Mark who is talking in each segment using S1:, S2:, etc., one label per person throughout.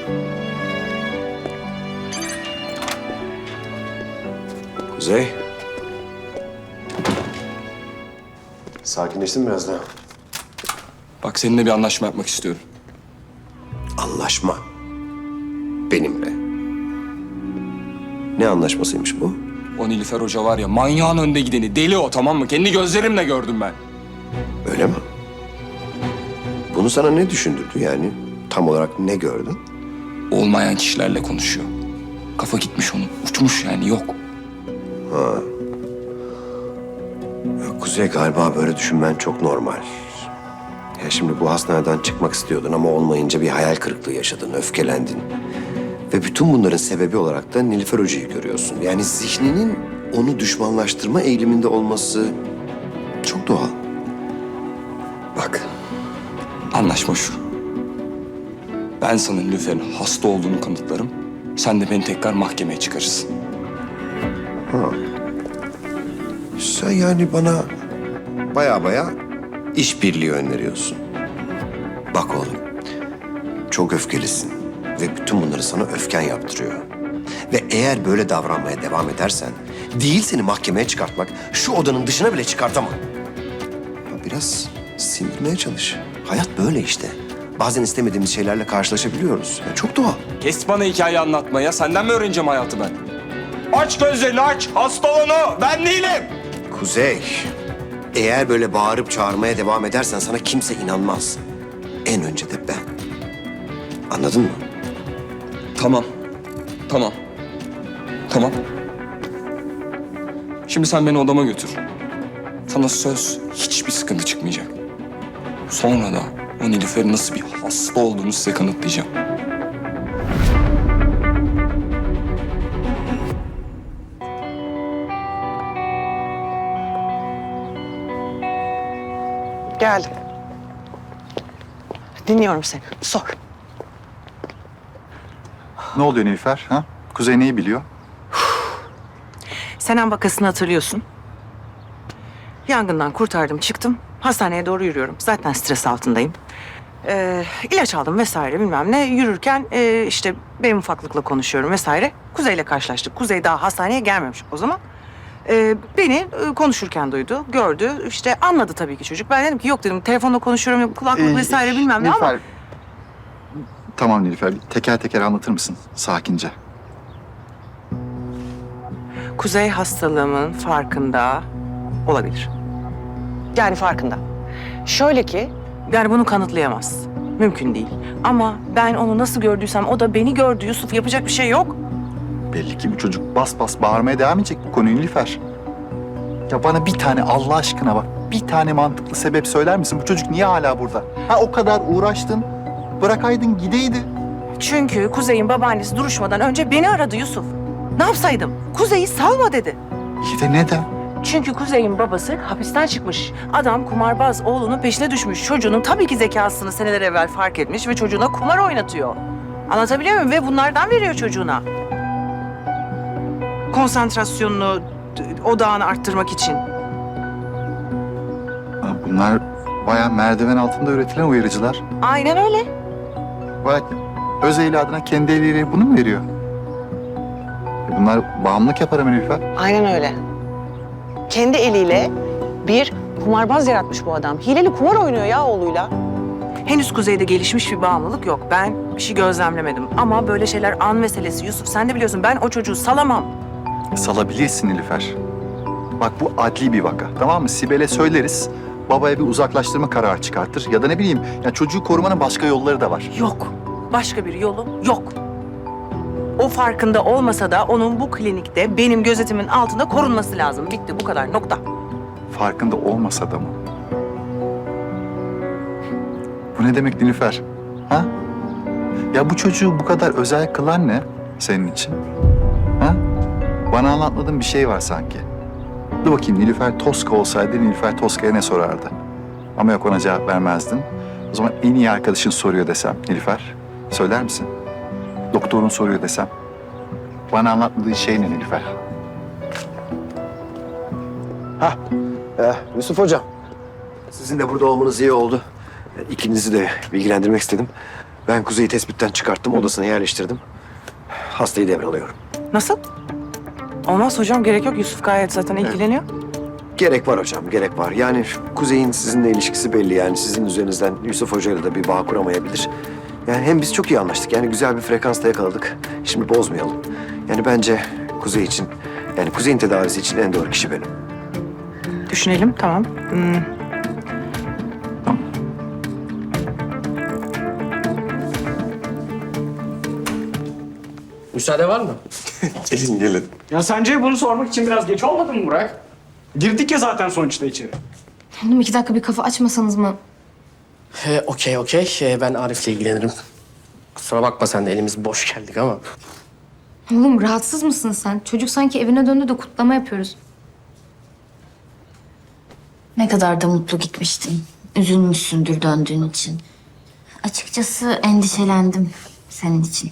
S1: Kuzey. Sakinleştin mi biraz daha?
S2: Bak seninle bir anlaşma yapmak istiyorum.
S1: Anlaşma. Benimle. Ne anlaşmasıymış bu?
S2: O Nilüfer Hoca var ya, manyağın önde gideni. Deli o, tamam mı? Kendi gözlerimle gördüm ben.
S1: Öyle mi? Bunu sana ne düşündürdü yani? Tam olarak ne gördün?
S2: Olmayan kişilerle konuşuyor. Kafa gitmiş onun. Uçmuş yani, yok.
S1: Ya Kuzey, galiba böyle düşünmen çok normal. Ya şimdi bu hastaneden çıkmak istiyordun ama olmayınca bir hayal kırıklığı yaşadın, öfkelendin. Ve bütün bunların sebebi olarak da Nilüfer Hoca'yı görüyorsun. Yani zihninin onu düşmanlaştırma eğiliminde olması çok doğal. Bak,
S2: Anlaşma şu. Ben sana Nilüfer'in hasta olduğunu kanıtlarım. Sen de beni tekrar mahkemeye çıkarırsın.
S1: sen yani bana baya işbirliği öneriyorsun. Bak oğlum, çok öfkelisin ve bütün bunları sana öfken yaptırıyor. Ve eğer böyle davranmaya devam edersen, değil seni mahkemeye çıkartmak, şu odanın dışına bile çıkartamam. Ya biraz sindirmeye çalış. Hayat böyle işte. Bazen istemediğimiz şeylerle karşılaşabiliyoruz. Ya çok doğal.
S2: Kes bana hikaye anlatmaya. Senden mi öğreneceğim hayatı ben? Aç gözlerini aç. Hasta onu. Ben değilim.
S1: Kuzey, eğer böyle bağırıp çağırmaya devam edersen sana kimse inanmaz. En önce de ben. Anladın mı?
S2: Tamam. Tamam. Tamam. Şimdi sen beni odama götür. Sana söz, hiçbir sıkıntı çıkmayacak. Sonra da o Nilüfer'in nasıl bir hasta olduğunu size kanıtlayacağım.
S3: Geldim. Dinliyorum seni. Sor.
S4: Ne oluyor Nilüfer? Ha? Kuzey neyi biliyor?
S3: Senem vakasını hatırlıyorsun. Yangından kurtardım, çıktım. Hastaneye doğru yürüyorum. Zaten stres altındayım. İlaç aldım vesaire bilmem ne. Yürürken işte benim ufaklıkla konuşuyorum vesaire. Kuzey'le karşılaştık. Kuzey daha hastaneye gelmemiş o zaman. Beni konuşurken duydu, gördü. İşte anladı tabii ki çocuk. Ben dedim ki yok dedim, telefonla konuşuyorum, kulaklık vesaire bilmem ne ama...
S4: Nilüfer, tamam Nilüfer, teker teker anlatır mısın sakince?
S3: Kuzey hastalığımın farkında olabilir. Yani farkında. Şöyle ki, yani bunu kanıtlayamaz. Mümkün değil. Ama ben onu nasıl gördüysem o da beni gördü Yusuf. Yapacak bir şey yok.
S4: Belli ki bu çocuk bas bas bağırmaya devam edecek bu konuyu Nilüfer. Ya bana bir tane Allah aşkına bak, bir tane mantıklı sebep söyler misin? Bu çocuk niye hala burada? Ha o kadar uğraştın, bırakaydın gideydi.
S3: Çünkü Kuzey'in babaannesi duruşmadan önce beni aradı Yusuf. Ne yapsaydım? Kuzey'i salma dedi.
S4: İyi de neden?
S3: Çünkü Kuzey'in babası hapisten çıkmış. Adam kumarbaz, oğlunun peşine düşmüş. Çocuğunun tabii ki zekasını seneler evvel fark etmiş ve çocuğuna kumar oynatıyor. Anlatabiliyor muyum? Ve bunlardan veriyor çocuğuna. Konsantrasyonunu, odağını arttırmak için.
S4: Ha, bunlar bayağı merdiven altında üretilen uyarıcılar.
S3: Aynen öyle.
S4: Bak Özeyli adına kendi eliyle bunu mu veriyor? Bunlar bağımlılık yapar mı Nilüfer?
S3: Aynen öyle. Kendi eliyle bir kumarbaz yaratmış bu adam. Hileli kumar oynuyor ya oğluyla. Henüz Kuzey'de gelişmiş bir bağımlılık yok. Ben bir şey gözlemlemedim. Ama böyle şeyler an meselesi Yusuf. Sen de biliyorsun ben o çocuğu salamam.
S4: Salabilirsin Nilüfer. Bak bu adli bir vaka, tamam mı? Sibel'e söyleriz, babaya bir uzaklaştırma kararı çıkartır. Ya da ne bileyim, ya çocuğu korumanın başka yolları da var.
S3: Yok. Başka bir yolu yok. O farkında olmasa da onun bu klinikte benim gözetimin altında korunması lazım. Bitti bu kadar nokta.
S4: Farkında olmasa da mı? Bu ne demek Nilüfer? Ha? Ya bu çocuğu bu kadar özel kılan ne senin için? Ha? Bana anlatmadığın bir şey var sanki. Dur bakayım Nilüfer Toska olsaydı Nilüfer Toska'ya ne sorardı? Ama yok ona cevap vermezdin. O zaman en iyi arkadaşın soruyor desem Nilüfer, söyler misin? Doktorun soruyor desem. Bana anlatmadığın şey ne Nilüfer?
S1: Yusuf Hocam, sizin de burada olmanız iyi oldu. İkinizi de bilgilendirmek istedim. Ben Kuzey'i tespitten çıkarttım, odasına yerleştirdim. Hastayı devralıyorum.
S3: Nasıl? Olmaz hocam, gerek yok. Yusuf gayet zaten ilgileniyor.
S1: Gerek var hocam, gerek var. Yani Kuzey'in sizinle ilişkisi belli. Yani sizin üzerinizden Yusuf Hoca'yla da bir bağ kuramayabilir. Yani hem biz çok iyi anlaştık. Yani güzel bir frekansta yakaladık. Şimdi bozmayalım. Yani bence Kuzey için, yani Kuzey'in tedavisi için en doğru kişi benim.
S3: Düşünelim, tamam.
S5: Müsaade var mı?
S1: Gelin gelin.
S6: Ya sence bunu sormak için biraz geç olmadı mı Burak? Girdik ya zaten sonuçta içeri.
S7: Oğlum 2 dakika bir kafa açmasanız mı?
S5: Okey. Ben Arif'le ilgilenirim. Kusura bakma sen de elimiz boş geldik ama.
S7: Oğlum rahatsız mısın sen? Çocuk sanki evine döndü de kutlama yapıyoruz.
S8: Ne kadar da mutlu gitmiştin. Üzülmüşsündür döndüğün için. Açıkçası endişelendim senin için.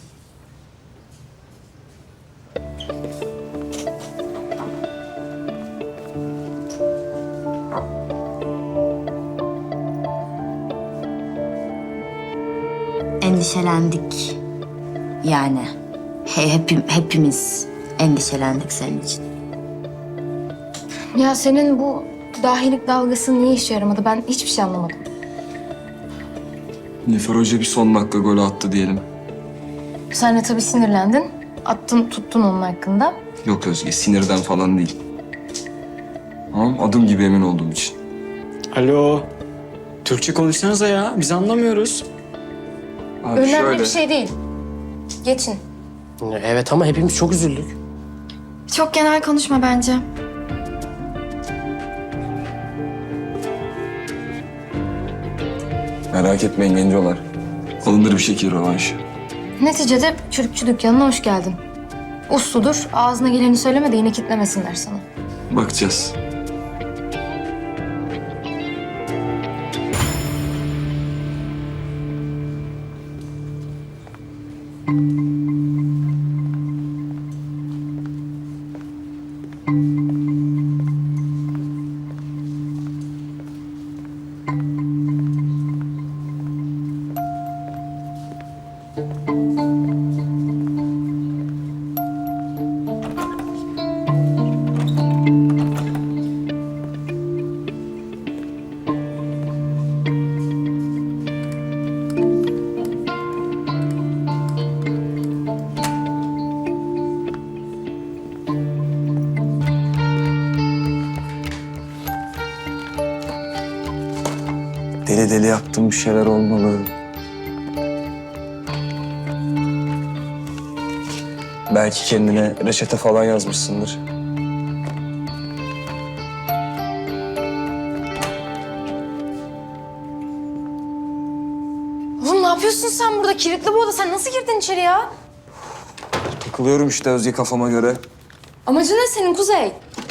S8: Endişelendik. Yani hepimiz endişelendik senin için.
S7: Ya senin bu dahilik dalgası niye işe yaramadı? Ben hiçbir şey anlamadım.
S2: Nilüfer Hoca bir son dakika golü attı diyelim.
S7: Sen de tabii sinirlendin. Attın tuttun onun hakkında.
S2: Yok Özge, sinirden falan değil. Tamam, adım gibi emin olduğum için.
S6: Alo. Türkçe konuşsanıza ya. Biz anlamıyoruz.
S2: Abi
S7: Önemli
S2: şöyle,
S7: bir şey değil. Geçin.
S5: Evet ama hepimiz çok üzüldük.
S7: Çok genel konuşma bence.
S2: merak etmeyin gencolar. Alınır bir şekil rövanş.
S7: Neticede çürükçü dükkanına hoş geldin. Usludur. Ağzına geleni söyleme de yine kitlemesinler sana.
S2: Bakacağız. Deli deli yaptığım bir şeyler olmalı. Belki kendine reçete falan yazmışsındır.
S7: Oğlum ne yapıyorsun sen burada? Kilitli bu oda. Sen nasıl girdin içeri ya?
S2: Takılıyorum işte Özge kafama göre.
S7: Amacın ne senin Kuzey?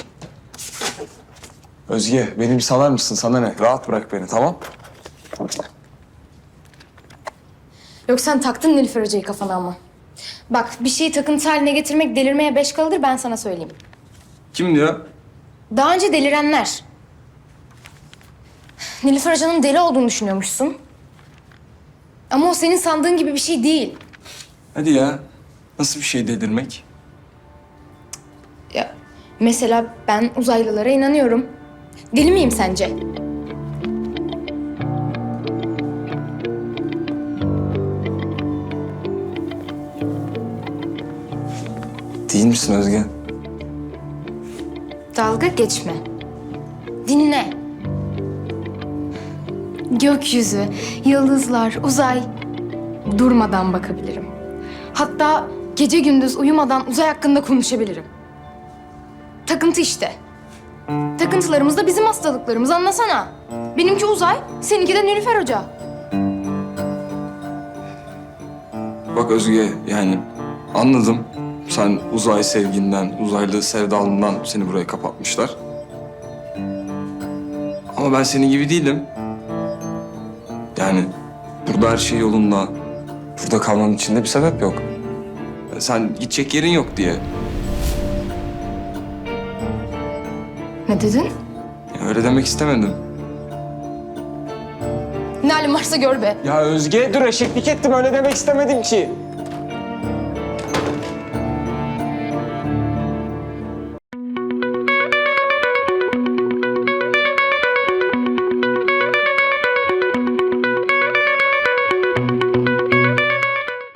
S2: Özge, beni bir salar mısın? Sana ne? Rahat bırak beni, tamam?
S7: Yok sen taktın Nilüfer Hoca'yı kafana ama. Bak bir şeyi takıntı haline getirmek delirmeye 5 kalıdır ben sana söyleyeyim.
S2: Kim diyor?
S7: Daha önce delirenler. Nilüfer Hoca'nın deli olduğunu düşünüyormuşsun. Ama o senin sandığın gibi bir şey değil.
S2: Hadi ya. Nasıl bir şey delirmek?
S7: Ya mesela ben uzaylılara inanıyorum. Deli miyim sence?
S2: Değil misin Özge?
S7: Dalga geçme. Dinle. Gökyüzü, yıldızlar, uzay. Durmadan bakabilirim. Hatta gece gündüz uyumadan uzay hakkında konuşabilirim. Takıntı işte. Takıntılarımız da bizim hastalıklarımız anlasana. Benimki uzay, seninki de Nilüfer Hoca.
S2: Bak Özge, yani anladım. Sen uzay sevginden, uzaylı sevdalından seni buraya kapatmışlar. Ama ben senin gibi değilim. Yani burada her şey yolunda. Burada kalmam için de bir sebep yok. Sen gidecek yerin yok diye.
S7: Ne dedin?
S2: Ya öyle demek istemedim.
S7: Ne halin varsa gör be.
S6: Ya Özge dur eşeklik ettim öyle demek istemedim ki.